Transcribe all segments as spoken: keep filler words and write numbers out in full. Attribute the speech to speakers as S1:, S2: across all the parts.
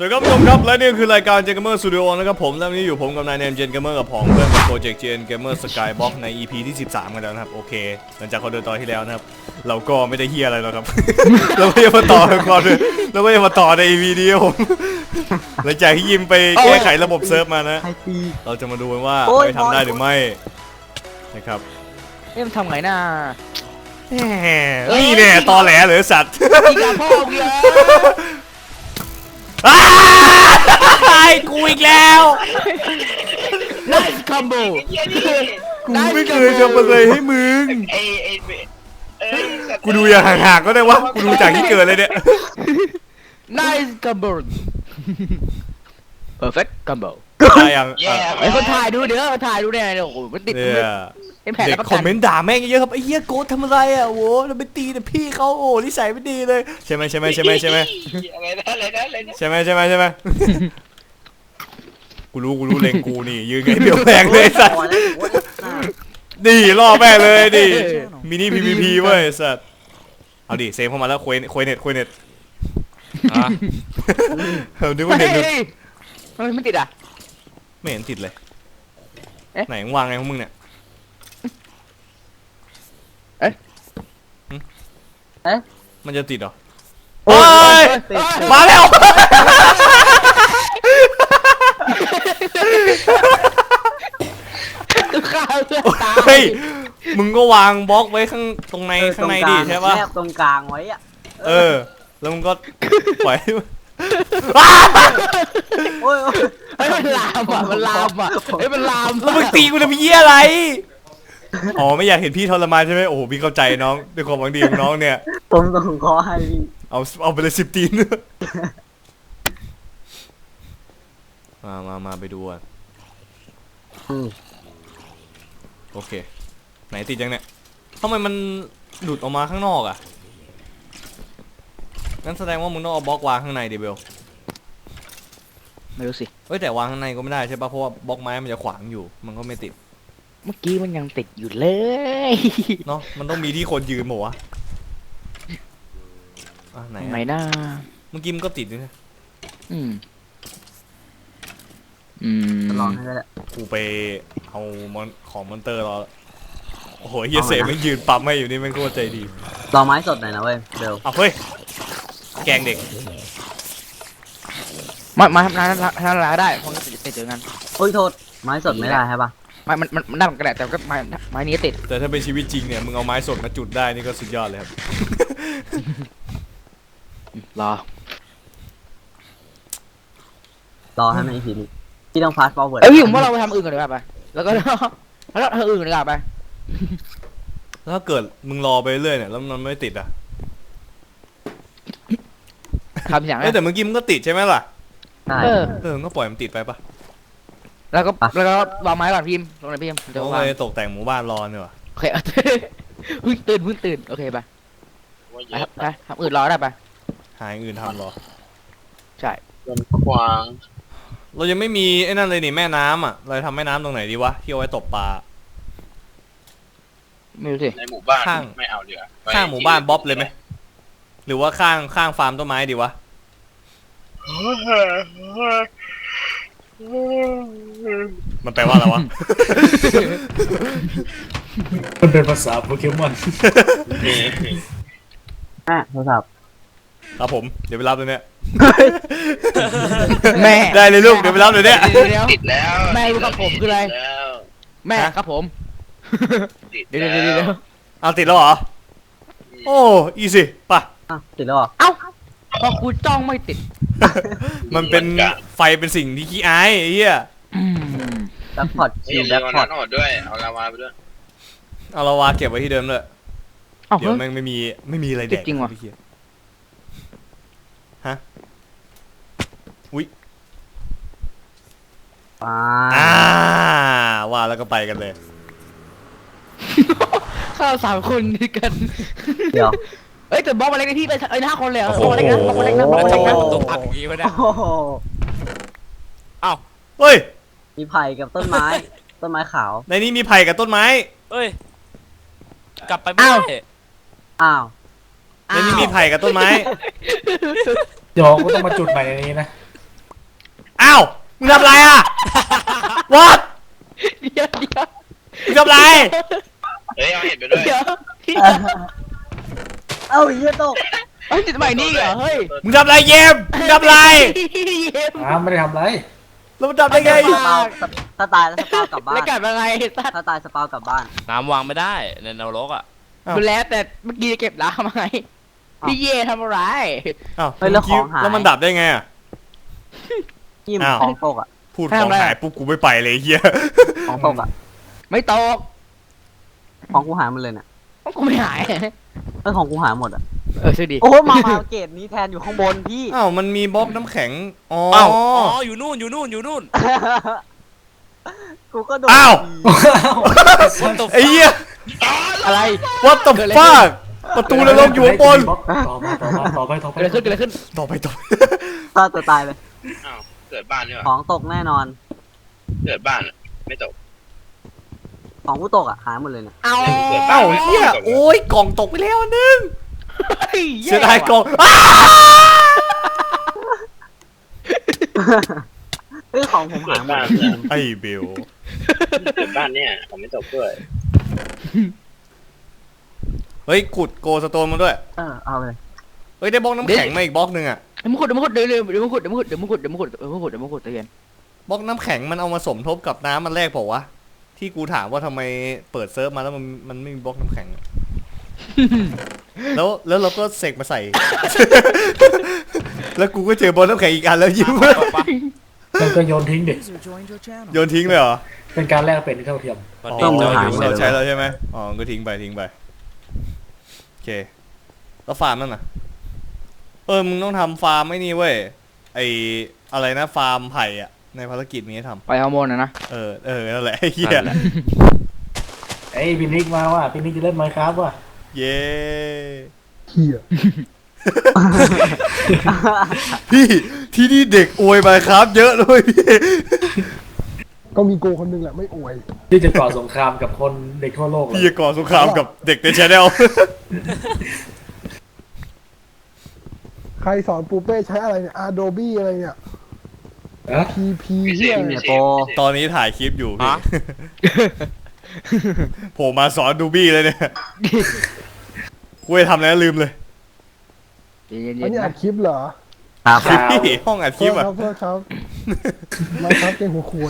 S1: สวัสดีครับผู้ชมครับและนี่คือรายการเจนเกมเมอร์สตูดิโอนะครับผมและวันนี้อยู่ผมกับนายเนมเจนเกมเมอร์กับผองเพื่อนกับโปรเจกต์เจนเกมเมอร์สกายบ็อกใน อี พี ที่สิบสามกันแล้วนะครับโอเคหลังจากเขาเดินตอนที่แล้วนะครับเราก็ไม่ได้เฮียอะไรหรอกครับ เราไม่ได้มาต่อกันก่อนเลยเราไม่ได้มาต่อใน อี พี นี้ผมหลังจากที่ยิมไปแก้ไขระบบเซิร์ฟมานะเราจะมาดูกันว่าไปทำได้หรือไม่นะครับ
S2: เอ๊ะมันทำไงน่า
S1: นี่แน่ตอแหลเหรือสัตว์
S2: อีกแล้วพ่อเยอะ
S1: ไอ้กูอีกแล้ว
S2: นัสคัมโบ
S1: กูไม่เคยทำอะไรให้มึงกูดูอย่างห่างๆก็ได้วะกูดูจากที่เกิดเลยเนี่ย
S2: Nice combo perfect combo
S1: ได้ยัง
S2: ไอ้คนถ่ายดูเดี๋ยวถ่ายดูเนี่ยโอ้โหมันติด
S1: เด็กคอมเมนต์ด่าแม่งเยอะครับไอ้เหี้ยโกดทำอะไรอ่ะโว้เราไปตีแต่พี่เขาโอ้นิสัยไม่ดีเลยใช่ไหมใช่ไหมใช่ไหมใช่ไหม
S3: อะไรนะอะไรนะอะไรนะ
S1: ใช่ไหมใช่ไหมใช่ไหมกูรู้กูรู้เลงกูนี่ยืนไงเบี้ยวแรงเลยสัตว์นี่ล่อแม่เลยดิมินิ พี วี พี เว้ยสัตว์เอาดิเซฟเข้ามาแล้วคุยคุยเน็ตคุยเน็ตอ่ะเอาดูว่าเน็ต
S2: มันไม่ติดอ่ะ
S1: ไม่เห็นติดเลยไหนวางไงของมึงเนี่ย
S2: เอ๊ะเอ๊ะ
S1: มันจะติดเหรอโอ้ยมาแล้วเฮ้ยมึงก็วางบล็อกไว้ข้างตรงในข้างในดิใช่ป่ะ
S3: แนบตรงกลางไว้อะ
S1: เออแล้วมึงก็ปล่อย
S2: โอ้ยเฮ้ยมันลามอ่ะมันลามอ่ะเฮ้ยมันลาม
S1: แล้วมึงตีกูจะไปเยี่ยอะไรอ๋อไม่อยากเห็นพี่ทรมานใช่ไหมโอ้โหพี่เข้าใจน้องด้วยความหวังดีของน้องเนี่ย
S3: ผมส่งขอให้พี่
S1: เอาเอาไปเลยสิบตีนมามามาไปดูอ่ะโอเคไหนติดยังเนี่ยทำไมมันหลุดออกมาข้างนอกอ่ะนั่นแสดงว่ามึงต้องเอาบล็อกวางข้างในดิเบล
S2: ไม่รู้สิ
S1: เฮ้ยแต่วางข้างในก็ไม่ได้ใช่ป่ะเพราะว่าบล็อกไม้มันจะขวางอยู่มันก็ไม่ติด
S2: เมื่อกี้มันยังติดอยู่เลย
S1: เนาะมันต้องมีที่คนยืนหมดวะอ่ะไหน
S2: ไหนหน้า
S1: เมื่อกี้มันก็ติดด้วยนะ
S2: อืมอืม
S3: ลองให้ได้
S1: กูไปเอามอนของมอนเตอร์รอโอ้โหเฮียเสมันยืนปั๊มให้อยู่นี่มันโคตรใจดี
S3: รอไม้สดหน่อยนะเว้ยเดี๋ยว
S1: เอาเฮ้ยแกงเด็ก
S2: มามาทำร้านทำร้านได้เพราะจะเจอกัน
S3: โอ้ยโทษไม้สดไม่ได้ใช่ปะ
S2: ไม้มันมันมันได้มันกระแดดแต่ก็ไม้ไม้นี้ติด
S1: แต่ถ้าเป็นชีวิตจริงเนี่ยมึงเอาไม้สดมาจุดได้นี่ก็สุดยอดเลยครับ
S2: รอ
S3: รอให้มันอีกทีนึงที่ต้องพาสฟอร์เวิร์ด
S2: เอ้ยผมว่าเราไปทำอื่นกันดีกว่าไปแล้วก็แล้วทำอื่นดีกว่าไป
S1: แล้วถ้าเกิดมึงรอไปเรื่อยเนี่ยแล้วมันไม่ติดอ่ะ
S2: ทำอย่างไร
S1: แต่เมื่อกี้มึงก็ติดใช่ไหมล่ะ
S3: เอ
S1: อเออก็ปล่อยมันติดไปปะ
S2: แล้วก็แล้วก็วางไม้ก่อนพิมพ์ลงในพิมพ์
S1: โอเคตกแต่งหมู่บ้านรอเนี่ยว่ะ
S2: โอเคเพิ่งตื่นเพิ่งตื่นโอเคไปไปทำอื่นรอได้ปะ
S1: หาอื่นทำรอ
S2: ใช่
S3: กวาง
S1: เรายังไม่มีไอ้นั่นเลยนี่แม่น้ำอ่ะเราทำแม่น้ำตรงไหนดีวะที่เอาไว้ตกปลา
S2: ไม่รู้สิ
S3: ในหมู่บ้านข้างไม่เอาเรือ
S1: ข้างหมู่บ้านบ๊อบเลยไหมหรือว่าข้างข้างฟาร์มต้นไม้ดีวะมันแปลว่าอะไรวะ
S4: มันเป็นภาษาโปเกมอน
S3: แม่โทรศัพท์
S1: ครับผมเดี๋ยวไปรับเลยเนี่ย
S2: แม่
S1: ได้เลยลูกเดี๋ยวไปรับเลยเนี่ย
S3: ติดแล้ว
S2: แม่รู้กับผมคืออะไรแม่ครับผมเดี๋ยวเดี๋ยวเดี๋ยว
S1: เอาติดแล้วเหรอโอ้อีสิป่ะ
S3: ติดแล้วเหรอ
S2: เอ้าพอกูจ้องไม่ติด
S1: มันเป็นไฟเป็นสิ่งที่ขี้อายไอ้เหี้ย
S3: แบ็คพอร์ตคิวแบ็คพอร์ตด้วยเอาลาวาไปด้วย
S1: เอาลาวาเก็บไว้ที่เดิมเลยเดี๋ยวแม่งไม่มีไม่มีอะไรแดก
S2: จริงวะ
S1: ฮะอุ้ย
S3: อ่า
S1: ว่าแล้วก็ไปกันเลย
S2: ข้าวสามคนด้วยกัน
S3: เดี๋ยว
S2: เอ้ยแต่บล็อกมาเล็กที่ไปไอ้ห้าคนเลยอ่ะบล็อกเล็กนะบล็อกเล็กนะบล็อกเล็กนะ
S4: ต้องตัดอย่างงี้วะเนี่ย
S1: อ้าวเฮ้ย
S3: มีไผ่กับต้นไม้ต้นไม้ขาว
S1: ในนี้มีไผ่กับต้นไม้
S4: เอ้ยกลับไปไม่ได้
S3: อ้าว
S1: ในนี้มีไผ่กับต้นไม้
S4: เดี๋ยวก็ต้องมาจุดใหม่ในนี้นะ
S1: มึงทำอะไรอ่ะ what
S2: เดี๋ยวเดี๋ยว
S1: มึงทำอะไร
S3: เฮ้ยเอาเห็ดไปด้วย
S2: เดี๋ยว
S5: เอ้าเหี้ยตก
S2: เฮ้ยติดใหม่นี่เหรอเฮ้ย
S1: มึงทำอะไรเยมมึงทำอะไร
S2: เย็บ
S4: อ้าไม่ได้ทำอะไร
S1: แล้วมึงทำได้ไง
S5: สปาวถ้าตายแล้วสปาวกลับบ้า
S2: แล้ว
S5: น
S2: กลับมาไงสัตว์
S5: ถ้าตายสปาวกลับบ้าน
S4: น้ำวางไม่ได้ในนรกอ่ะ
S1: อ้าว
S2: ดูแล้วแต่เมื่อกี้เก็บล้างมาไงพี่เย่ทำอะไร
S1: อ้าว
S5: เฮ้ยแล้วของหาย
S1: แล้วมันดับได้ไงอ่ะ
S5: ยิ้ม
S1: อ้าว
S5: ของตกอ่ะ
S1: พูดของหายปุ๊บกูไม่ไปเลยไอ้เฮีย
S5: ของตกอ่ะ
S2: ไม่ตก
S5: ของกูหายหมดเลยเนี่ย
S2: กูไม่หาย
S5: เออของกูหายหมดอ่ะ
S2: เออช่วยดี
S5: โอ้มามาเกตนี้แทนอยู่ข้างบนพี่
S1: อ้าวมันมีบล็อกน้ำแข็งอ๋อ
S4: อ้าวอ๋ออยู่นู่นอยู่นู่นอยู่นู่น
S5: กูก็โดน
S1: อ้าว
S4: What the
S1: ไอ้เหี้ย
S2: อะไร
S1: what the fuck ประตูนรกอยู่ข้างบน
S4: ต่อมาต่อมาต่อไปต่อไป
S2: เกิดอะไรขึ้นเกิดอะไรขึ้น
S1: ต่อไปต่อ
S5: ฆ่าตัวตายเลย
S3: อ้าวเกิดบ้านนี่ห
S5: ข
S3: ว่า
S5: องตกแน่นอน
S3: เกิดบ้านอะไม่ตก
S5: ของกูตกอ่ะหายหมดเลยเนี่ย
S2: เอา
S3: เกิดบ้า
S1: เอ้าน เฮียโอ้ยกล่องตกไปแล้วอันนึง
S2: เฮ้ย
S1: เสียดายกล่องอ้า
S5: เฮ้ยของผมหายหมดเลย
S1: ไอ้เบล
S3: เกิดบ้านเนี่ยผมไม่ตกด้วย
S1: เฮ้ยขุดโกสโตนมาด้วย
S5: เออเอาเลย
S1: เฮ้ยได้บล็อกน้ำแข็งมาอีกบล็อกหนึ่งอะ
S2: เดี๋ยวมึงขุดเดี๋ยวมึงขุดเดี๋ยวเดี๋ยวมึงขุดเดี๋ยวมึงขุดเดี๋ยวมึงขุดเดี๋ยวมึงขุดเดี๋ยวมึงขุดเดี๋ยวมึงขุดเดี๋ยวมึงขุดเตือน
S1: บล็อกน้ำแข็งมันเอามาสมทบกับน้ำมันแรกเปล่าวะที่กูถามว่าทำไมเปิดเซิร์ฟมาแล้วมันมันไม่มีบล็อกน้ำแข็งอะ แล้วแล้วเราก็เสกมาใส่ แล้วกูก็เจอบอลน้ำแข็งอีกอันแล้วยิ้ม
S4: มันก็โยนทิ้งดิ
S1: โยนทิ้งเลยเหรอ
S4: เป็นการแลกเป็นที่เท่าเทียม
S1: อ๋อ
S3: ต้องมาหา
S1: เราใช้แล้วใช่ไหมอ๋อก็ทิ้งไปทิ้งไปโอเคแล้วฟาร์มนั่นน่ะเออมึงต้องทำฟาร์มไม่นี่เว้ยไออะไรนะฟาร์มไผ่อะในภารกิจมีให้ท
S2: ไปฮอร์โมนนะนะ
S1: ำเออเออนั่นแหละไอ้เหี้ย
S4: ไอ้พินิกมาว่ะพินิกจะเล่นไมค์ครับว่ะ
S1: เย้
S6: เหี้ย
S1: พี่ที่นี่เด็กอวยมาครับเยอะเลยพี่
S6: ก็มีโกคนหนึงแหละไม่อวย
S4: ที่จะก่อสงครามกับคนเด็กทั่วโลกเลย
S1: พี่จะก่อสงครามกับเด็กในชาแนล
S6: ใครสอนปูเป้ใช้อะไรเนี่ย Adobe อะไรเนี่ย
S4: อะ
S6: พี พี เหี้ย
S5: เนี่ยโป
S1: ตอนนี้ถ่ายคลิปอยู่พี่
S4: ฮะ
S1: โผล่มาสอนดูบี้เลยเนี่ยกูจะทำแล้วลืมเลย
S2: เย็น
S6: อัน
S2: ๆ
S6: นี้
S2: นะ
S6: อัดคลิปเหรอ
S5: ครับ
S1: พี่ห้องอัดคลิปอะ
S6: โทษครับโทษครับมาครับเก่งหัวควย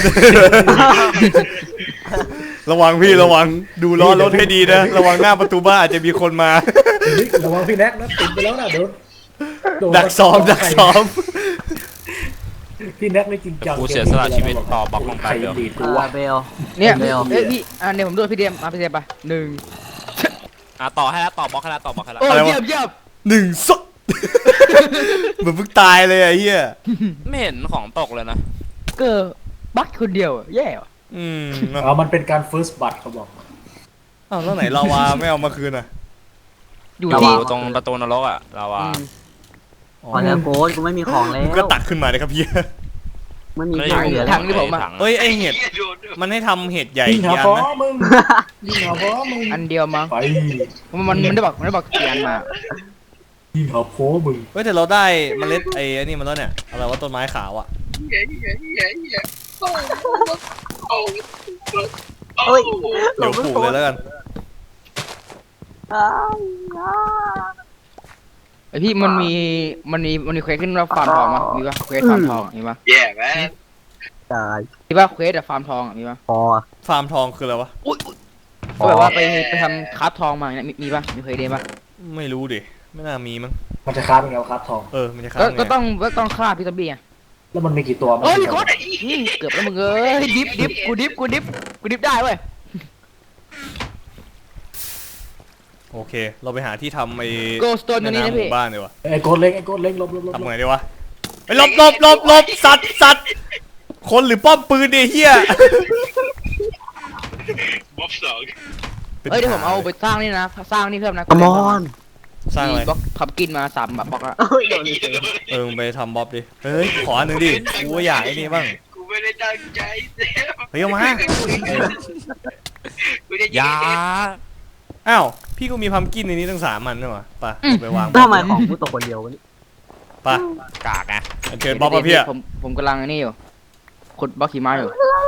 S1: ระวังพี่ระวังดูล้อรถให้ดีนะ ระวังหน้าประตูบ้านอาจจะมีคนมา
S4: พินิกระวังพี่แน็กนะติดไปแล้วนะเดี๋ยวโน
S1: ดักซ้อมดักซ้อม
S4: พี่แน็กไม่จริงจัง
S7: กูเสียสละชีวิตต่อบล็อกลงไป
S4: ใคร
S7: เดี๋ยว
S4: ดีด
S5: เอ
S4: กู
S5: อ
S4: วะ
S5: เบล
S2: เนี่ย
S5: เบล
S2: เอ้ยพี่อ่ะเนี่ยผมดูพี่เดียมมาพี่เดียมไปหนึ่ง
S7: อ่ะต่อให้แล้วต่อบล็อกให้แล้วต่อบล็อกให้แล้ว
S2: โอ้
S1: อะไรวะ
S2: เยี่ยมเยี่ยม
S1: หนึ่งสด เหมือนเพิ่งตายเลยไอ้เหี้ย
S7: ไม่เห็นของตกเลยนะ
S2: เกิดบักคนเดียวอะแย่ว่ะ
S1: อืม
S4: อ๋อมันเป็นการ first blood เขาบอก
S1: อ้าวแล้วไหนลาวาไม่เอามาคืนอ่ะ
S2: อยู่
S7: อยู่
S2: ที่
S7: ตรงประตูนรกอ่ะเราว่า
S2: อืม
S1: อ๋อ
S5: พอแล้วโกนกูไม่มีของแล้
S1: มึง
S5: ว
S1: ก็ตักขึ้นมาเลยครับพี่
S5: ไม่มี
S7: ไม่
S5: ที่เหลือ
S2: ทางที่ผมอะ
S1: เอ้ยไอเห็ดมันให้ทำเห็ดใหญ่
S4: ยิงหา
S1: กี่อัน
S4: ฟ้อ
S1: นะ
S4: มึงยิงหาฟ้อมึง
S2: อันเดียวมั้ง
S4: ไป
S2: มันมันมันได้บอกมันได้บอกเกียนมา
S4: ยิงหาโพ้มึง
S1: เฮ้ยแต่เราได้เมล็ดไอ้ไอ้นี่มันแล้วเนี่ยอะไรว่าต้นไม้ขาวอ่ะ
S5: เฮ้ย
S1: เดี๋ยวปลูกเลยแล้วกัน
S5: อ้าวอ้าว
S2: ไอพี่มันมีมันมีมันมีเควสขึ้นว่าฟาร์มทองมั้ยมีปะเควสฟาร์มทองอะมีปะ
S3: แย่แม่
S5: ตาย
S2: มีปะเควสอะฟาร์มทองอะมีปะ
S5: พอ
S1: ฟาร์มทองคืออะไรวะ
S2: ก็แบบว่าไปไปทำคราฟทองมาเนี่ยมีมีปะมีเคยได้ปะ
S1: ไม่รู้ดิไม่น่ามีมั้ง
S4: มันจะค้าเป็นไงวะครับทอง
S1: เออมันจะค้า
S2: ก็
S1: งไง
S2: ก็ต้องก็ต้องฆ่าพี่ตอบี้อะ
S4: แล้วมันมีกี่ตัวมัน
S2: โอ้ย
S4: มี
S2: โคตรอืมเกือบแล้วมึงเอ้ยดิฟดิฟกูดิฟกูดิฟกูดิฟได้เว้ย
S1: โอเค เราไปหาที่ทำไอ้
S2: โกสโตนตัวนี้
S1: แม่
S2: นะ
S1: น้ำห
S2: พี่
S1: มู่บ้านดีกว่า
S4: ไอ้โกดเล็กไอ้โกดเล็กลบลบลบ
S1: ทำไงดีวะไปหลบหลบหลบหลบสัตว์สัตว์คนหรือป้อมปืนดิเฮีย
S3: บ๊อบสอง
S2: เอ้ยเดี๋ยวผมเอาไปสร้างนี่นะสร้างนี่เพิ่มนะ
S5: กมอน
S1: สร้างอะไร
S2: บล็อกขับกินมาสามแบบบล็อกละ
S5: เฮ้ยโดนเลย
S1: เออมึงไปทำบ๊อบดิเฮ้ยขออันหนึ่งดิกูก็อยากไอ้นี่บ้าง
S3: กูไม่ได้ตั้งใจเซฟ
S1: เฮ้ยเอามา
S3: กูจะ
S7: อยา
S1: อ้าวพี่กูมีพัมกินในนี้ตั้งสามมันด้วยวะไปเอาไปวาง
S5: ทำไมของกูตกคนเดียววะนี่
S1: ไป
S7: กากไง
S1: อันเชิญบ๊อบมาพี่อะ
S2: ผมผมกำลังนี่อยู่ขุดบล็อกหิมะอยู่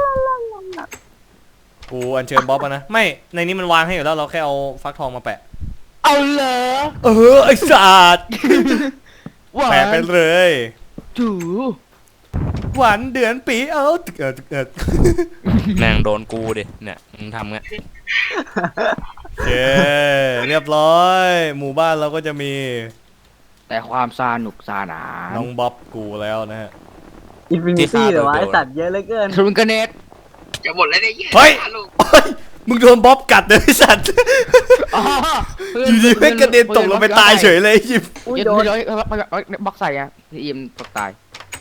S1: กูอัญเชิญบ๊อบมานะไม่ในนี้มันวางให้อยู่แล้วเราแค่เอาฟักทองมาแปะ
S2: เอาเหรอ
S1: เออไอ้สัตว์
S2: หวา
S1: แปะไป
S2: น
S1: เลย
S2: จู
S1: หวานเดือนปีเออตึกเออตึกเออ
S7: แม่งโดนกูดิเนี่ยมึงทำไง
S1: โอเคเรียบร้อย หมู่บ้านเราก็จะมี
S2: แต่ความสนุกสนาน
S1: น้องบ๊อบกูแล้วนะฮะ
S5: อินฟินิตี้เหรอวะไอสัตว์เยอะเหลือเกิน
S2: ทรุนกระเน็ต
S3: จะหมดแล้วเนี่ย
S1: เฮ้ยโอ๊ยมึงโดนบ๊อบกัดเลยไอ้สัตว์
S2: อ๋อ
S1: อยู่ดีแม่งกระเด็นตกลงไปตายเฉยเลยไอ้ยิบ
S5: อุ้ย
S2: เดี๋ยว
S5: โดน
S2: เดี๋ยวบล็อกใส่อะพี่อิมตกตาย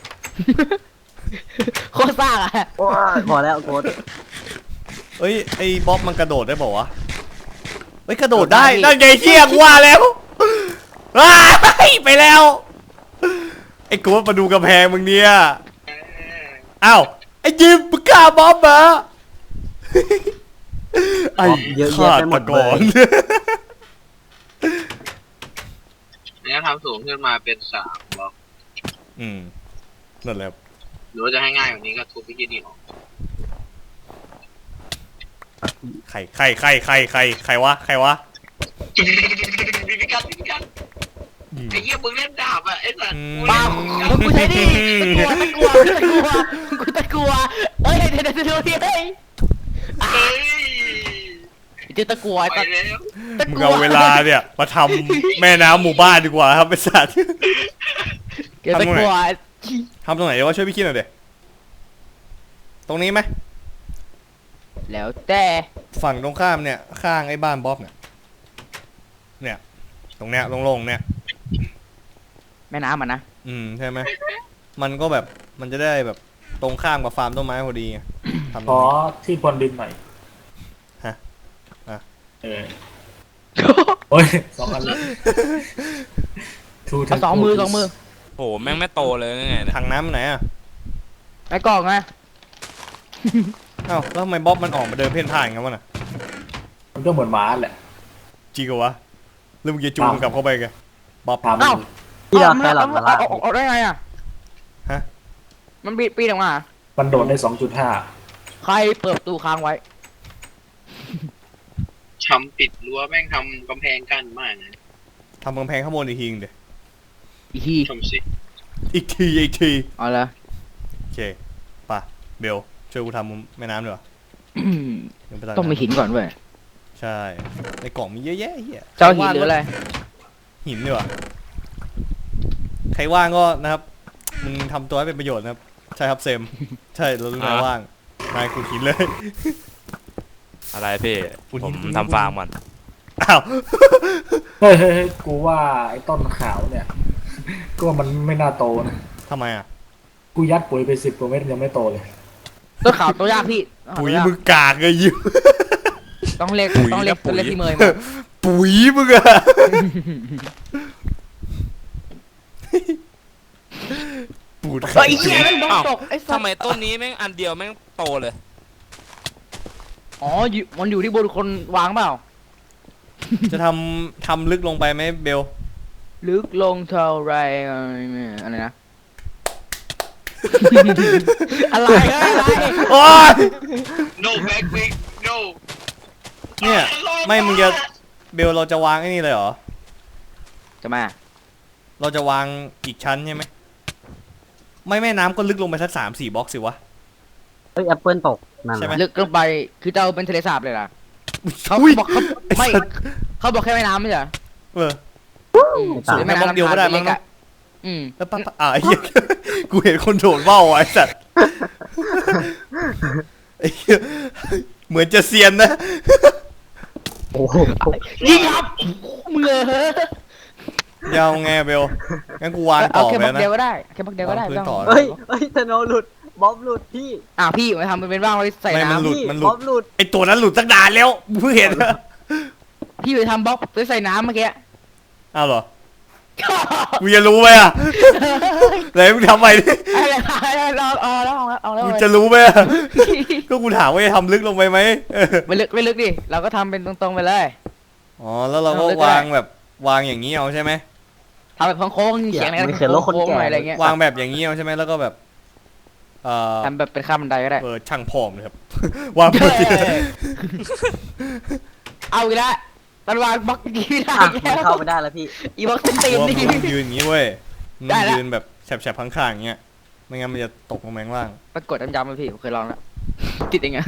S2: โคตรซ่าอะ
S5: โอ้ยพอแล้วโค้ด
S1: เอ้ยไอ้บ๊อบมันกระโดดได้บอกวะเฮ้ยกระโดดได้นั่นไงเที่ยงว่าแล้วว้ายไปแล้วไอ้กูมาดูกำแพงมึงเนี่ยอ้าวไอ้ยิมมึงฆ่าบ๊อบเหรอไอ้
S5: เยอะแยะ
S1: ฆา
S5: ไปหม
S1: ต
S5: ด
S1: ก
S5: เลย
S1: ร
S3: เนี่ยทำสูงขึ้นมาเป็นสามบล็อก
S1: อืมนั่นแหละ
S3: หรือว่าจะให้ง่ายกว่านี้ก็ทุบไปที่นี่ออก
S1: ใครใครใครใครใครใครวะใครวะ
S3: พิกัดพิกัด
S1: อืม
S3: ไอ้เหี้ยมึงเล่นดาบอ่ะไอ้สัตว์
S2: เปล่าแล้วกูใช้ดิตะกัวตะกัวกูตะกัวเอ้ยเดี๋ยวเดี๋ยวเดี๋ยวเดี๋ยว
S3: เฮ้ย
S2: เจอตะกัว
S3: ไป
S2: ตะ
S3: แล้ว
S2: ตะ
S1: มึง
S2: กัว
S1: เอาเวลาเนี่ยมาทำแม่น้ำหมู่บ้านดีกว่าครับไอ้สัตว์
S2: เจอตะกัว
S1: ทำตรงไหนเดี๋ยวว่าช่วยพี่คิดหน่อยเดี๋ยตรงนี้ไหม
S2: แล้วแต่
S1: ฝั่งตรงข้ามเนี่ยข้างไอ้บ้านบ๊อบเนี่ยเนี่ยตรงเนี้ยโล่งๆเนี่ย
S2: แม่น้ำมันนะ
S1: อืมใช่ไหมมันก็แบบมันจะได้แบบตรงข้ามกับฟาร์มต้นไม้พอดีไงทำต
S4: ข
S1: รง
S4: อ
S1: นี้
S4: ที่พรวนดินหน่อย
S1: ฮะอ่ะ
S4: เออโอ้ยสองอันเลย
S2: เอาสองมือสองมือ
S7: โอ้โหแม่งไม่โตเลยไงเนี่ย
S1: ถังน้ำไหนอ่ะ
S2: ไอ้กล่องไง
S1: เอ้าแล้วทำไมบ๊อบมันออกมาเดินเพ่นพ่านกันวะน่ะ
S4: มันก็เหมือนหมาแหละ
S1: จริงเหรอวะหรือมึงจะจูงมันกลับเข้าไปกันบ๊อบ
S4: ถาม
S2: เอ้า
S5: ที่เราแค่หลับมา
S2: เอา
S5: ละ
S2: เอาเอาได้ไงอ่ะ
S1: ฮะ
S2: มันปีปีออกมา
S4: มันโดดได้สองจุดห้า
S2: ใครเปิดประตูค้างไว้
S3: ทำปิดรั้วแม่งทำกำแพงกั้นมากนะ
S1: ทำกำแพงข้างบนอีกทีนึงเดี๋ยว
S2: อีกที
S3: ชมสิ
S1: อีกทีอีกที
S2: เอาละ
S1: โอเคป่ะเบลช่วยกูทำแม่น้ำด้วยเดี๋ยวไป
S2: ต้องมีหินก่อนเว้ย
S1: ใช่ในกล่องมีเยอะแยะเฮีย
S2: เจ้าหินหรืออะไร
S1: หินดีกว่าใครว่างก็นะครับมึงทำตัวให้เป็นประโยชน์นะครับใช่ครับเซมใช่เรารู้นายว่างนายขุดหินเลย
S7: อะไรพี่
S1: คุณ
S7: ผม
S1: คุณ
S7: ทำฟาร์มก่อน
S1: อ้าว
S4: เฮ้ยเฮ้ยเฮ้ยกูว่าไอ้ต้นขาวเนี่ยก็ว่ามันไม่น่าโตนะ
S1: ทำไมอ่ะ
S4: กูยัดปุ๋ยไปสิบกว่าเม็ดยังไม่โตเลย
S2: ต้นขาวตัวยากพี่
S1: ปุ๋ยมึงกากเลยยิบ
S2: ต้องเรียกต้องเรียกต้องเรียกที่เมย์มา
S1: ปุ๋ยมึงอะปูด
S2: ไอ้เหี้ยแม่งบล็อก
S7: อ้าว
S2: ตกไอ้สั
S7: ทำ
S2: ส
S7: ไมต้นนี้แม่งอันเดียวแม่งโตเลย
S2: อ๋ออยู่มันอยู่ที่บนคนวางเปล่า
S1: จะทำทำลึกลงไปไหมเบล
S2: ลึกลงเท่าไรอะไรนะ อะไรอะไร
S1: โอ๊ย
S3: โนแบ็กวิกโน
S1: เนี่ยไม่มึงจะเบลเราจะวางไอ้นี่เลยเหรอ
S2: จะมา
S1: เราจะวางอีกชั้นใช่ไหมไม่แม่น้ำก็ลึกลงไปสักสามสี่บล็อกสิวะ
S5: เฮ้ยแอปเปิลตกนั่น
S1: ใช่ไหม
S2: ลึกลงไปคือจะเอาเป็นทะเลสาบเลยล่ะเขา
S1: อุ้ย
S2: บอกเขา
S1: ไอ้
S2: ไม่
S1: สัตว์
S2: เขาบอกแค่แม่น้ำไม่ใช่เหรอ
S1: เออ
S2: อืม
S1: สูงแค่บล็อกเดียวก็ได้มั้งเนอะ
S2: อืม
S1: แล้วปั๊บอ่ะไอ้เหี้ย กูเห็นคนโดดว่าวอ่ะไอ้สัตว์ไอ้เหี้ยเหมือนจะเซียนนะ
S5: โอ้โห
S2: ยิงครับมึงเออย
S1: าวไงเบลงั้นกูวาง
S2: เอา
S1: ต่อ
S2: แค่
S1: ไป
S2: บัก
S1: นะ
S2: เดียวก็ได้แค่บักเดียวก็ได้
S1: วางพื้น
S2: ไม่
S1: ต่
S2: ต้
S1: อ
S2: อง
S5: เฮ้ยเฮ้ยธโนหลุดบ๊อบหลุดพี่
S2: อ่ะพี่มาทำเป็นว่างไว้ใส่
S1: ไม่มันหลุด
S2: น้ำ
S5: พี่
S1: มันหลุด
S5: บ๊อบหลุด
S1: ไอตัวนั้นหลุดตั้งนานแล้วเพิ่งเห็น
S2: พี่ไปทำบล็อกไว้ใส่น้ำเมื่อกี้
S1: อ้าวเหรอกูจะรู้ไหมอ่ะไหนมึงทำไปดิ
S2: อะไรอะไรเอาเอาแล้วเอาแล้วเอาแล้ว
S1: กูจะรู้ไหมอ่ะก็กูถามว่าจะทำลึกลงไปไหมเออ
S2: ไม่ลึกไม่ลึกดิเราก็ทำเป็นตรงๆไปเลย
S1: อ๋อแล้วเราก็
S2: เอาลึกก็ได้
S1: วางแบบวางอย่างนี้เอาใช่ไหม
S2: ทำแบบโค้งๆเขียงอะไร
S5: มันเขียนโลกคน
S2: โค้งๆหน่อย
S5: แก่
S2: อะไรเงี้ยว
S1: างแบบอย่างนี้เอาใช่ไหมแล้วก็แบบเอ่อ
S2: ทำแบบเป็นข้ามบันไดก็ได้
S1: เออช่างพร้อมเลยครับ วางพื้นที่
S2: เอาอีกแล้วตอนวางบล็อกดีไม่ได้
S5: อ่ะ
S2: อีก
S5: มั
S2: แล้
S5: น
S2: ว
S5: เข้าไปได้แล้วพี่
S2: อีบล็อกเต็มเต็ม
S1: ว่า
S2: นี่
S1: มึงยืนอย่างนี้เว้ยมึง
S2: ได้ละ
S1: ยืนแบบแฉบๆข้างๆอย่างเงี้ยไม่งั้นมันจะตกลงมาข้างล่าง
S2: ปรากฏย้ำๆมาพี่ผมเคยลองแล้วติดยังไง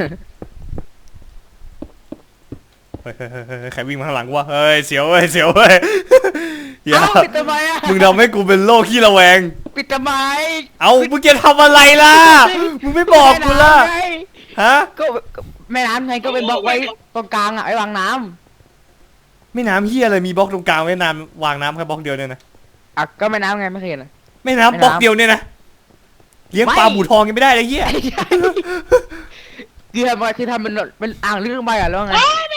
S1: เฮ้ยเฮ้ยเฮ้ยเฮ้ยใครวิ่งมาข้างหลังกูวะเฮ้ยเสียวเว้ยเสียวเว้ย อย่า
S2: เอ้าปิดทำไมอ่ะ
S1: มึงทำให้กูเป็นโรคขี้ระแวง
S2: ปิดทำไม
S1: เอามึงจะทำอะไรล่ะมึงไม่บอกกูล่ะ
S2: แม่น้ำไง
S1: ฮะ
S2: ก็ก็แม่น้ำไงก็เป็นบล็อกไว้ตรงกลางอ่ะไว้วางน้
S1: ไม่น้ำเฮียอะไรมีบล็อกตรงกลางไว้น้ำวางน้ำแค่บล็อกเดียวเนี่ยนะ
S2: ำอ่ะก็แม่น้ำไงไม่เคยเห็นเลย
S1: ไม่น้ำบล็อกเดียวเนี่ยนะเลี้ยงปลา
S2: ไม่
S1: บูทองยังไม่ได้เลยเฮีย
S2: คือทำอะไรคือทำเป็นเป็นอ่างลึกลงไปอ่ะแล้วไง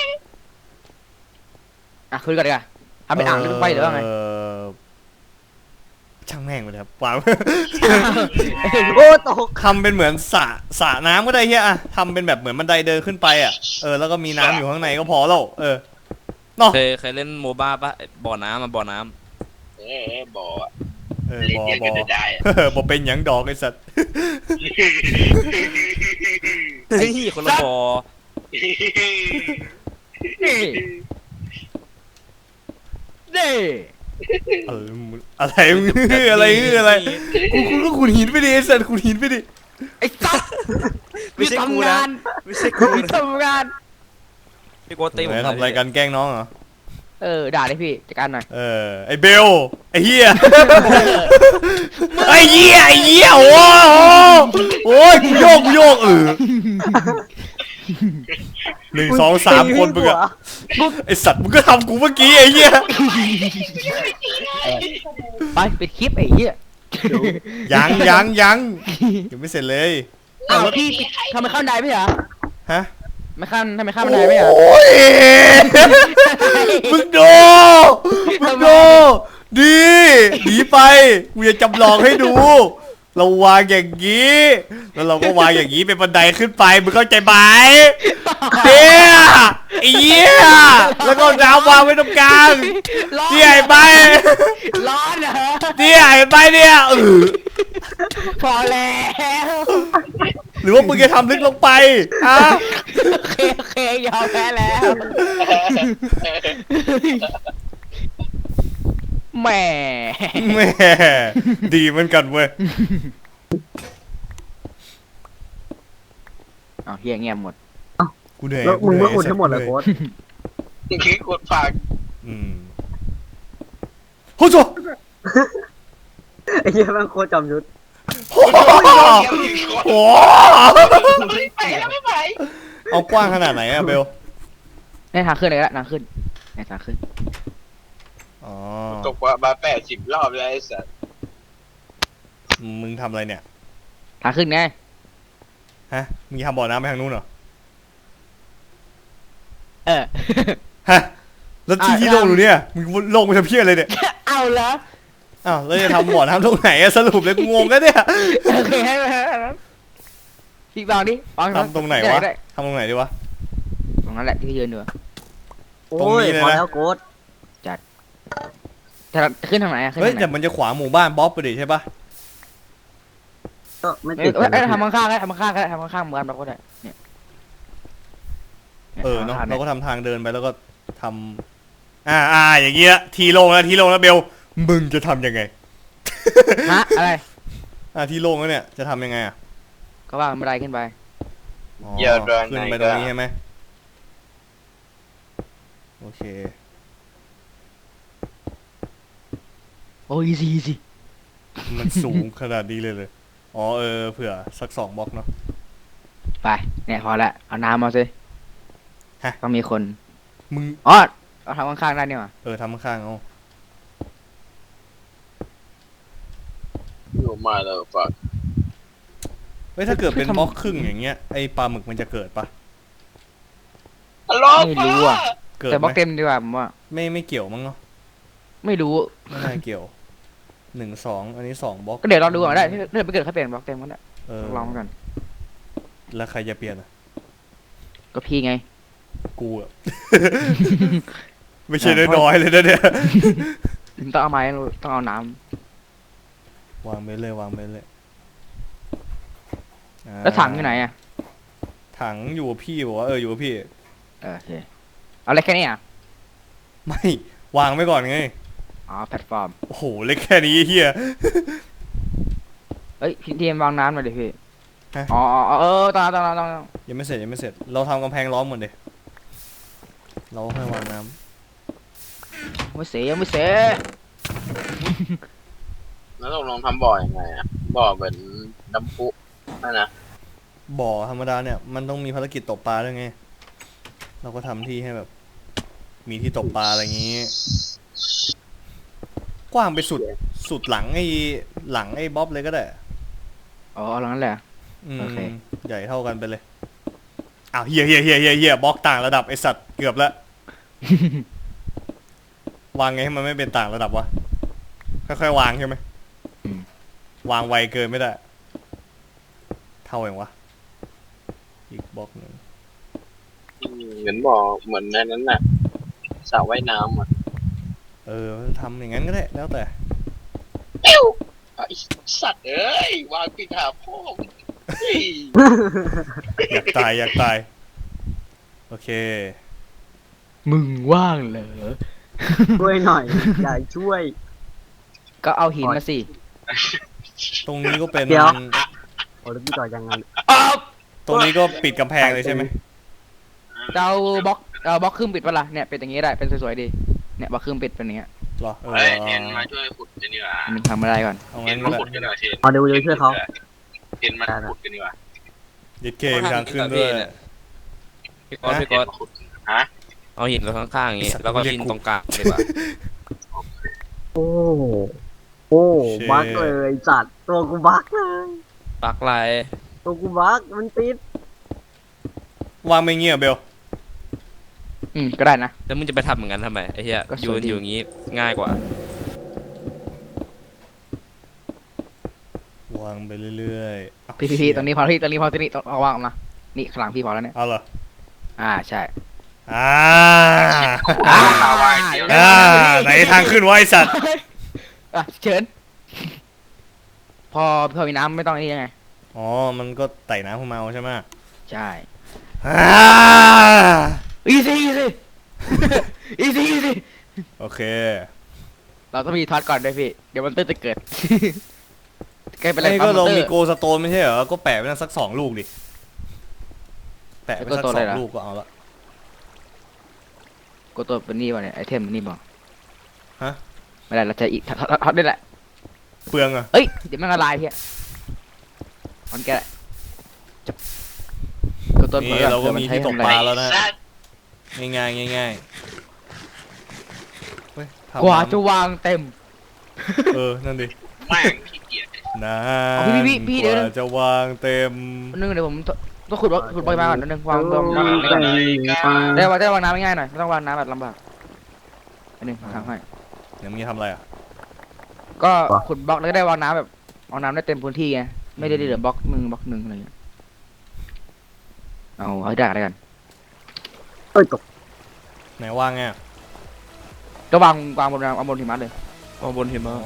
S2: อ่ะคุยกันดีกว่าทำเป็นอ่างลึกลงไปหรือว่าไง
S1: เช่างแม่งไปเลยครับวาง
S5: โอ้ตก
S1: ทำเป็นเหมือนสระสระน้ำก็ได้เฮียอะทำเป็นแบบเหมือนบันไดเดินขึ้นไปอ่ะเออแล้วก็มีน้ำอยู่ข้างในก็พอแล้วเออเนาะ
S7: เคยเคยเล่นโมบ้าปะบ่อน้ำมาบ่อน้
S3: เออบ่อ
S1: เออ
S3: เล่น
S1: บอ
S3: เดียว
S1: บ
S3: กั
S1: อน
S3: จะได้อะ
S1: เออบอเป็นหยังดอกไอ้สัตว์
S7: ำเฮ้ยคนละบ่อ
S2: นี่นี่
S1: เออมึงอะไรมึงอะไรอะไรกูกูก็ขุดหินไปดิไอ้สัตว์ขุดหินไปดิ
S2: ไอ้สัส
S7: ไม่ใช่กู
S2: ทำ
S7: นะ
S2: งาน
S7: ไม่ใช่กูนะ
S2: ทำงาน
S7: พี่โกตีผม
S1: ไหนทำอะไรกันแกล้งน้องเหรอ
S2: เออด่าเลยพี่จัดการหน่อย
S1: เออไอ้เบลไอ้เหี้ยไอ้เหี้ยไอ้เหี้ยโอ้โหโอ้ยกูโยกกูโยกเออหนึ่งสองสามคนมึงอะไอสัตว์มึงก็ทำกูเมื่อกี้ไอ้เหี้ย
S2: ไปปิดคลิปไอ้เหี้ย
S1: ยังยังยังยังไม่เสร็จเลย
S2: อ้าวพี่ปิดทำไมเข้าบันไดไม่เหรอ
S1: ฮะ
S2: ไม่ข้ามทำไมข้ามบันไดไม่เหรอ
S1: โอ้ยมึงดูมึงดูดีหนีไปกูจะจำลองให้ดู เราวางอย่างนี้แล้วเราก็วางอย่างนี้เป็นบันไดขึ้นไปมึงเข้าใจไหมเตี้ยไอ้เหี้ยแล้วก็น้ำวางไว้ตรงกลาง
S2: ร้อน
S1: เตี้ยไอ้ไป
S2: ร้อนเหรอ
S1: เตี้ยไอ้ไปเนี่ยเออ
S2: พอแล้ว
S1: หรือว่ามึงจะทำลึกลงไปฮะ
S2: โอเคโอเคยอมแพ้แล้วแหม่
S1: แหม่ดีเหมือนกันเว้ย
S2: เอาเฮียเงียบหมด
S1: กูเหนื่อย
S5: แล้วมึง
S1: เห
S5: ไม่
S1: นื่อย
S5: อุดทั้งหมดเลย
S1: เห
S5: โค้
S1: นื่อย
S5: ด
S3: คือกดฝาก
S1: อืมโอ้โห
S5: ไอ้เหี้ยแม่งโคตรจอมยุทธ
S1: โอ้โห
S3: ไปแล้วไม่ไป
S1: เอากว้างขนาดไหนอะเบล
S2: ในทางขึ้นเลยละทางขึ้นในทางขึ้น
S1: อ๋อ
S3: ตกว่ามาแปดสิบรอบแล้วไอ้สัส
S1: มึงทำอะไรเนี่ย
S2: ทางขึ้นไง
S1: ฮะมึงจะทำบ่อน้ำไปทางนู้นเหรอ
S2: เออ
S1: ฮะแล้วที่
S2: อ่ะ
S1: ที่โล่งอยู่เนี่ยมึงโล่งไปทำเพี้ยอะไรเนี่ย
S2: เอาเหรอ
S1: อ้าวแล้วจะทำบ่อน้ำตรงไหนอะสรุปเลยกูงงกันเนี่ย
S2: โอเคให้ไปพี่บางดิวาง
S1: ทำตรงไหนวะ
S2: ด้
S1: ทำตรงไหนดีวะ
S2: ตรงนั้นแหละที่ยืนอยู่
S5: โอ้
S1: ตรง
S5: ย
S1: นี้เลย
S5: พอ
S1: นะ
S5: แล้วโค้ด
S2: จะขึ้นทางไหนอะขึ้น
S1: เฮ้ย
S2: ทางไหน
S1: แต่มันจะขวางหมู่บ้านบ๊อบไปดิใช่ปะ
S5: ก็ไม่
S2: เอ้
S5: ติ
S2: ย
S5: ด
S2: เอ้ย
S5: เล
S2: เอ้ย
S5: ย
S2: ทำข้างๆก็ได้ทำข้างๆก็ได้ทำข้างๆเหมือนกันเราก็ได้เนี่ย
S1: เออเนาะ
S2: ทำ
S1: เรา
S2: ข้งๆ
S1: ก็ทำทางเดินไปแล้วก็ทำอ่าอ่าอย่างเงี้ยทีโล่งแล้วทีโล่งแล้วเบลมึงจะทำยังไง
S2: ฮะอะไร
S1: อ่าที่โล่งแล้วเนี่ยจะทำยังไงอ่ะ
S2: ก็วางบันไดขึ้นไป
S1: อ๋อ
S3: เยอะเลย
S1: ขึ้นไปตรงนี้ใช่ไหมโอเค
S2: โอ้ยสิสิ
S1: มันสูงขนาดนี้เลยเลยอ๋อเออเผื่อสักสองบล็อกเนาะ
S2: ไปเนี่ยพอละเอาน้ำมาสิ
S1: ฮะ
S2: ต้องมีคน
S1: มึง
S2: อ๋อเอาทำข้างๆได้นี่หว่า
S1: เออทำข้างๆเอา
S3: อยู่มาแล้วฝาก
S1: เฮ้ยถ้าเกิดเป็นบล็อกครึ่งอย่างเงี้ยไอปลาหมึกมันจะเกิดปะ
S3: ฮัลโหล
S2: ไม่รู้อ่ะ
S1: เกิด
S2: แต่บ
S1: ไห
S2: ล็
S1: ม
S2: อกเต็มดีกว่าผมว่า
S1: ไม่ไม่เกี่ยวมั้งเนาะ
S2: ไม่รู้
S1: ไม่น่าเกี่ยวหนึ่งสองอันนี้สองบล็อก
S2: ก็เดี๋ยวเราดูก่อนได้ถ้าเกิดไม่เกิดเขาเปลี่ยนบล็อกเต็มก็ได้
S1: เออ
S2: ลองกัน
S1: แล้วใครจะเปลี่ยนอ่ะ
S2: ก็พี่ไง
S1: กูอะ ไม่ใช่น้อยๆเลยนะเนี่ย
S2: ต้องเอาไม้ต้องเอาน้
S1: วางไปเลยวางไปเลยอ่า
S2: แล้วถังอยู่ไหนอ่ะ
S1: ถังอยู่กับพี่บอกว่าเอออยู่กับพี่
S2: เออโอเคเอาเล็กแค่นี้อ่ะ
S1: ไม่วางไว้ก่อนไง
S2: อ๋อแพลตฟอร์ม
S1: โอ้โหเล็กแค่นี้เฮีย
S2: เฮ้ยพี่ทีมวางน้ำมาดิพี่
S1: ฮะ
S2: อ๋ออ๋อเออตอนนั้นตอนนั้นตอนนั้น
S1: ยังไม่เสร็จยังไม่เสร็จเราทำกำแพงล้อมหมดเลยเราให้วางน้ำ
S2: ไม่เสียยังไม่เสีย
S3: แล้วตกลงทำบ่อยังไงอ่ะบ่อเหมือนน้ำพุนั่นนะ
S1: บ่อธรรมดาเนี่ยมันต้องมีภารกิจตกปลาด้วยไงเราก็ทำที่ให้แบบ มีที่ตกปลาอะไรอย่างงี้ กว้างไปสุดสุดหลังไอ้หลังไอ้บ๊อบเลยก็ได้
S2: อ๋อเอางั้นแหละ
S1: อืม
S2: โอเค
S1: ใหญ่เท่ากันไปเลยอ้าวเฮียเฮียเฮียเฮียเฮียบล็อกต่างระดับไอสัตว์เกือบละ วางไงให้มันไม่เป็นต่างระดับวะค่อยๆวางใช่ไหม
S2: อืม
S1: วางไวเกินไม่ได้ เท่าเองวะอีกบล็อกหนึ่ง
S3: อืมเหมือนบ่อเหมือนในนั้นน่ะสระว่ายน้ำอ่ะ
S1: เออทำอย่างนั้นก็ได้แล้วแต่
S3: ปิ้วไอ้สัตว์เอ้ยวางปิดหาพ่อมึงเฮ้ย
S1: อยากตายอยากตายโอเค
S2: มึงว่างเหรอ
S5: ช่วยหน่อย อยากช่วย
S2: ก็เอาหินมาสิ
S1: ตรงนี้ก็เป็น
S5: เดี๋ยว โอ้แล้วพี่ต่อยังไง
S1: ตรงนี้ก็ปิดกำแพงเลยใช่ไหม
S2: จะเอาบล็อกเอาบล็อกครึ่งปิดปะล่ะเนี่ยเป็นอย่างงี้ได้เป็นสวยๆดีเนี่ยบล็อกครึ่งปิดเป็นอย่างเงี้ย
S1: เหรอเออ
S3: เฮ้ยเทนมาช่วยขุดกันดีกว่า
S2: มันทำอะไรก่อน
S1: เอา
S3: เท
S1: งั้
S3: น
S1: น
S3: มา
S1: ก็ได้
S3: ขุดกันดีกว่าเทน
S5: เอาเดี๋ยวเดี๋ยวช่วยเขา
S3: เทนมาขุดกันดีกว่า
S1: ยึดเคมีทางขึ้นด้วย
S7: พี่ก๊อตพี่
S3: เท
S7: ก๊
S3: น
S7: อต
S3: มาขุดฮะ
S7: เอาหินไว้ข้างๆอย่างงี้
S1: ไอ้สัตว์
S7: แล้วก็
S1: เรียก
S7: ดิน
S1: กู
S7: ตรงกลางดีกว่า
S5: โอ้ โอ้บักเลยจัดตัวกูบักเลย
S7: ปักลาย
S5: ตัวกูบักมันติด
S1: วางไม่เงียบเบล
S2: อืมก็ได้นะ
S7: แล้วมึงจะไปทำเหมือนกันทำไมไอ้เหี้ย
S2: ก็ส
S7: ยื
S2: วย
S7: น
S2: ดี
S7: อยู่อย่างงี้ง่ายกว่า
S1: วางไปเรื่อยๆอ้าว
S2: พี่พี่พี่ตรงนี้พอที่ตรงนี้พอที่นี่ต้องเอาวางออกมานี่ข้างหลังพี่พอแล้วเนี่ย
S1: เอาเหรอ
S2: อ่าใช่
S1: อ่า
S2: อ่า
S1: อ่าไหนทางขึ้นวะไอสัตว์
S2: อ่ะเชิญ พอพอมีน้ำไม่ต้องอันนี้ยังไง
S1: อ๋อมันก็ไต่น้ำขึ้นมาเอาใช่ไหม
S2: ใช่
S1: อ่า
S2: อีซี่อีซี่ อีซี่อีซี่
S1: โอเค
S2: เราต้องมีท็อตก่อนด้วยพี่เดี๋ยวมันเตอร์จะเกิด ใกล้เป็นไร
S1: ไอ้
S2: ปั๊
S1: ก็
S2: มม
S1: เรา
S2: อนเตอ
S1: มี
S2: ร์
S1: โกสโตนไม่ใช่เหรอก็แปะไปนั่นสักสองลูกดิแปะไปสัก
S2: โกส
S1: ส
S2: โตน
S1: อ
S2: เลย
S1: ง
S2: เหรอ
S1: ลูกก็เอาละ
S2: กดตัวเป็นนี่ป่ะเนี่ยไอเทมนี่ป่ะ
S1: ฮะ
S2: ไม่ได้เราจะอีกท็อตท็อตท็อตได้แหละ
S1: เปลืองอะ
S2: เอ้ยเดี๋ยวมันละลายพี่มันแกะจับกดตัว
S1: นี่เราก็มีที่ตกปลาแล้วนะ
S3: สัตว์
S1: ง่ายง่ายๆง่ายๆเฮ้ยทำ
S2: กว่า
S1: น้ำ
S2: จะวางเต็ม
S1: เออนั่นดิ
S3: แม่งขี้เกียจ
S1: นาน
S2: เอาพี่พี่พี่
S1: ก
S2: เดี๋ยว
S1: ว่าจะวางเต็ม
S2: นึงเดี๋ยวผมต้องขุดบล็อกขุดบล็อกมาก่อนนิดนึงวางวางวาง
S5: ไป
S2: น้ำ
S5: ไป
S2: ได้วางได้วางน้ำง่ายๆหน่อยไม่ต้องวางน้ำแบบลำบากอันนึงทำให้
S1: เดี๋ยวมึงจะทำอะไรอ่ะ
S2: ก็ขุดบล็อกแล้วก็ได้วางน้ำแบบวางน้ำได้เต็มพื้นที่ไงไม่ได้เหลือบล็อกมึงบล็อกหนึ่งอะไรอย่างเงี้ยเอาเอาให้ได้กัน
S5: เอ้ยตก
S1: ไหนว่างไงอะ
S2: ก็วางวางบนวางบนหิมะเลย
S7: มองบนหิมะ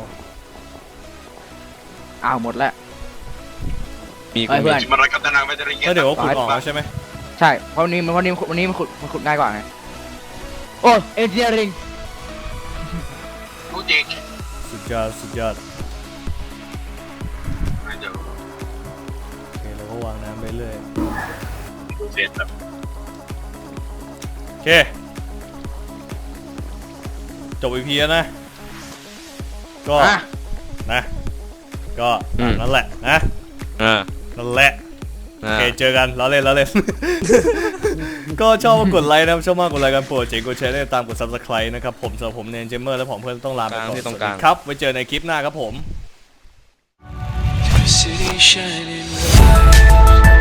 S2: อ้าวหมดแล้ว
S7: มี
S2: เอ้ยเพื่อน
S3: มันรักกับตานางไปจะเรียน
S1: แล้วเดี๋ยวก็ขุดออกแล้วใช่ไหม
S2: ใช่เพราะวันนี้มันวันนี้วันนี้มันขุดมันขุดง่ายกว่าไงโอ้เอนจิเนียริง
S3: รู้จริง
S1: สุดยอดสุดยอด
S3: เดี๋ยว
S1: โอเคเราก็วางน้ำไปเรื่อย
S3: ดูเสร็จแบบ
S1: โอเคจบอีพีแล้วนะก็
S2: อ่ะ
S1: นะก็ตามนั้นแหละนะ
S7: อ่า
S1: นั่นแหละโอ
S7: อ่า
S1: เคเจอกันเราเล่นเราเล่น ก็ชอบก็กดไลค์นะครับชอบมากกดไลค์กันโปรดเจ๋งกดแชร์ได้ตามกด ซับสไครบ์ นะครับผมสำหรับผมเนนเจมเมอร์และผมเพื่อนต้องลาไปก่อนสวัสดีครับไว้เจอในคลิปหน้าครับผม
S8: City shining bright.